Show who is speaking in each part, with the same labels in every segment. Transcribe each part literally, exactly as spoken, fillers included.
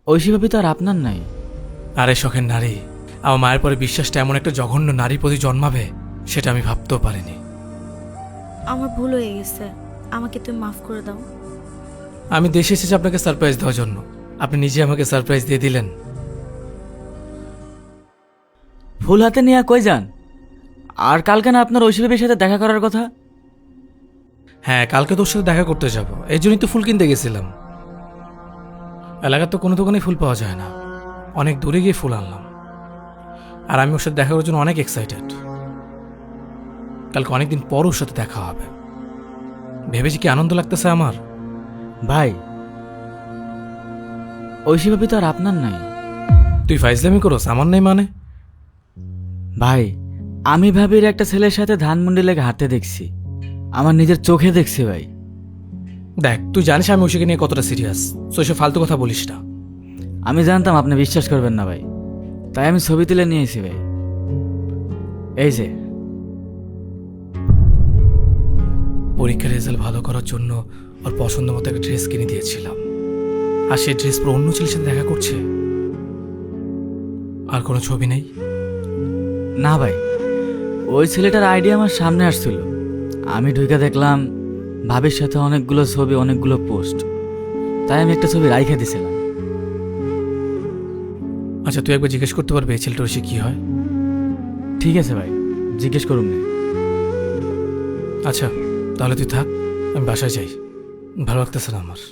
Speaker 1: ঐশী ভাবি তো আর আপনার নাই।
Speaker 2: আরে শখের নারী, আমার মায়ের পরে বিশ্বাসটা এমন একটা জঘন্য নারী প্রতি জন্মাবে সেটা আমি ভাবতেও পারিনি।
Speaker 3: আমার ভুল হয়ে গেছে, আমাকে তুমি মাফ করে দাও।
Speaker 2: আমি দেশে এসেছি আপনাকে সারপ্রাইজ দেওয়ার জন্য, আপনি নিজে আমাকে সারপ্রাইজ দিয়ে দিলেন।
Speaker 1: ফুল হাতে নিয়ে কই যান? আর কালকে না আপনার ঐশী ভাবির সাথে দেখা করার কথা?
Speaker 2: হ্যাঁ, কালকে তোর সাথে দেখা করতে যাব, এই জন্যই তো ফুল কিনতে গেছিলাম। এলাকার তো কোনো দোকানেই ফুল পাওয়া যায় না, অনেক দূরে গিয়ে ফুল আনলাম। আর আমি ওর সাথে দেখা করার জন্য অনেক এক্সাইটেড। কালকে অনেকদিন পর ওর সাথে দেখা হবে, ভেবেছি কি আনন্দ লাগতেছে আমার।
Speaker 1: ভাই, ঐশী ভাবি তো আর আপনার নাই।
Speaker 2: তুই ফাইজলামি করোস, আমার নেই মানে?
Speaker 1: ভাই, আমি ভাবির একটা ছেলের সাথে ধানমন্ডি লেগে হাঁটতে দেখছি, আমার নিজের চোখে দেখছি ভাই।
Speaker 2: দেখ, তুই জানিস আমি ওষুকে নিয়ে কতটা সিরিয়াস, তো এসব ফালতু কথা বলিস না।
Speaker 1: আমি জানতাম আপনি বিশ্বাস করবেন না ভাই, তাই আমি ছবি তুলে নিয়েছি ভাই। এই যে
Speaker 2: পরীক্ষার রেজাল্ট ভালো করার জন্য ওর পছন্দ মতো একটা ড্রেস কিনে দিয়েছিলাম, আর সেই ড্রেস পরে অন্য ছেলের সাথে দেখা করছে। আর কোনো ছবি নেই?
Speaker 1: না ভাই, ওই ছেলেটার আইডিয়া আমার সামনে আসছিল, আমি ঢুকে দেখলাম ভাবির সাথে অনেকগুলো ছবি, অনেকগুলো পোস্ট, তাই আমি একটা ছবি রাইখে দিছিলাম।
Speaker 2: আচ্ছা, তুই একবার জিজ্ঞেস করতে পারবে এই ছেলেটার সে কি হয়?
Speaker 1: ঠিক আছে ভাই, জিজ্ঞেস করুন না।
Speaker 2: আচ্ছা, তাহলে তুই থাক, আমি বাসায় যাই, ভালো লাগতেছে না আমার।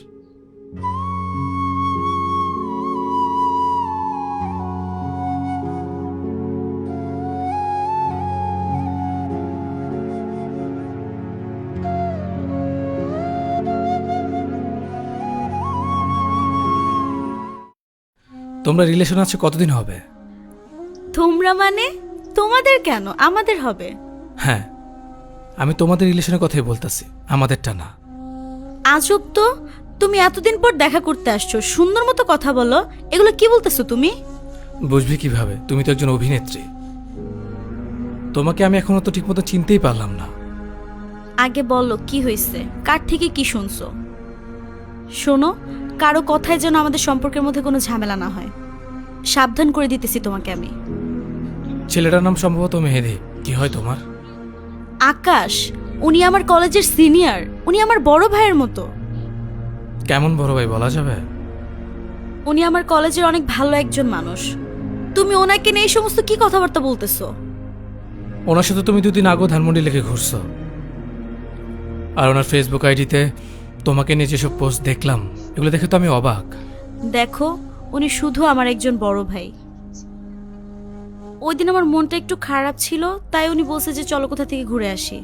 Speaker 2: তোমরা রিলেশন আছে কতদিন হবে?
Speaker 3: তোমরা মানে? তোমাদের কেন, আমাদের হবে।
Speaker 2: হ্যাঁ, আমি তোমাদের রিলেশনের কথাই বলতেছি, আমাদেরটা না।
Speaker 3: আজব তো, তুমি এতদিন পর দেখা করতে আসছো, সুন্দর মতো কথা বলো। এগুলো কি বলতেছো তুমি?
Speaker 2: বুঝবি কিভাবে, তুমি তো একজন অভিনেত্রী। তোমাকে আমি এখনো তো ঠিকমতো চিনতেই পারলাম না।
Speaker 3: আগে বলো কি হয়েছে, কার থেকে কি শুনছো? শোনো, কারো কথায় যেন আমাদের সম্পর্কের মধ্যে কোনো ঝামেলা না হয়, সাবধান করে দিতেছি তোমাকে আমি।
Speaker 2: ছেলেটার নাম সম্ভবত মেহেদি, কি হয় তোমার?
Speaker 3: আকাশ, উনি আমার কলেজের সিনিয়র, উনি আমার বড় ভাইয়ের মতো।
Speaker 2: কেমন বড় ভাই বলা যাবে?
Speaker 3: উনি আমার কলেজের অনেক ভালো একজন মানুষ। তুমি ওনাকে নিয়ে এই সমস্ত কি কথাবার্তা বলতেছো?
Speaker 2: ওনার সাথে তুমি দুদিন আগেও ধানমন্ডি লেগে ঘুরছো, আর ওনার ফেসবুক আইডিতে তোমাকে নিয়ে যেসব পোস্ট দেখলাম, এগুলো দেখে তো আমি অবাক।
Speaker 3: দেখো, উনি শুধু আমার একজন বড় ভাই। ওই দিন আমার মনটা একটু খারাপ ছিল, তাই উনি বলছে যে চলো কোথা থেকে ঘুরে আসি।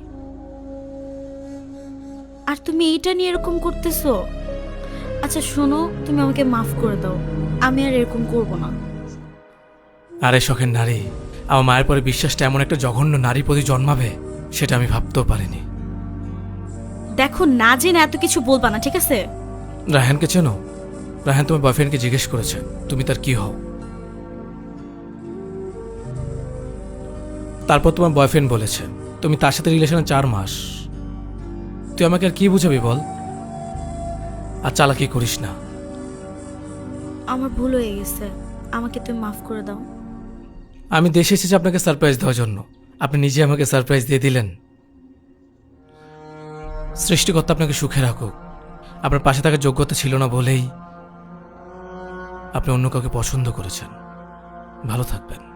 Speaker 3: আর তুমি এইটা নিয়ে এরকম করতেছো? আচ্ছা শোনো, তুমি আমাকে মাফ করে দাও, আমি আর এরকম করব না।
Speaker 2: আরে শখের নারী, আমার মায়ের পরে বিশ্বাসটা এমন একটা জঘন্য নারী প্রতি জন্মাবে সেটা আমি ভাবতেও পারিনি।
Speaker 3: দেখো, না জেনে এত কিছু বলবা না, ঠিক আছে?
Speaker 2: রায়হানকে চেনো? রায়হান তোমার বয়ফ্রেন্ডকে জিজ্ঞেস করেছে তুমি তার কি হও, তারপর তোমার বয়ফ্রেন্ড বলেছে তুমি তার সাথে রিলেশনে চার মাস। তুই আমাকে আর কি বুঝাবি বল? আর চালাকি করিস না।
Speaker 3: আমার ভুল হয়ে গেছে, আমাকে তুমি মাফ করে দাও।
Speaker 2: আমি দেশে এসেছি আপনাকে সারপ্রাইজ দেওয়ার জন্য, আপনি নিজে আমাকে সারপ্রাইজ দিয়ে দিলেন। সৃষ্টিকর্তা আপনাকে সুখে রাখুক। আপনার পাশে থাকার যোগ্যতা ছিল না বলেই আপনি অন্য কাউকে পছন্দ করেছেন। ভালো থাকবেন।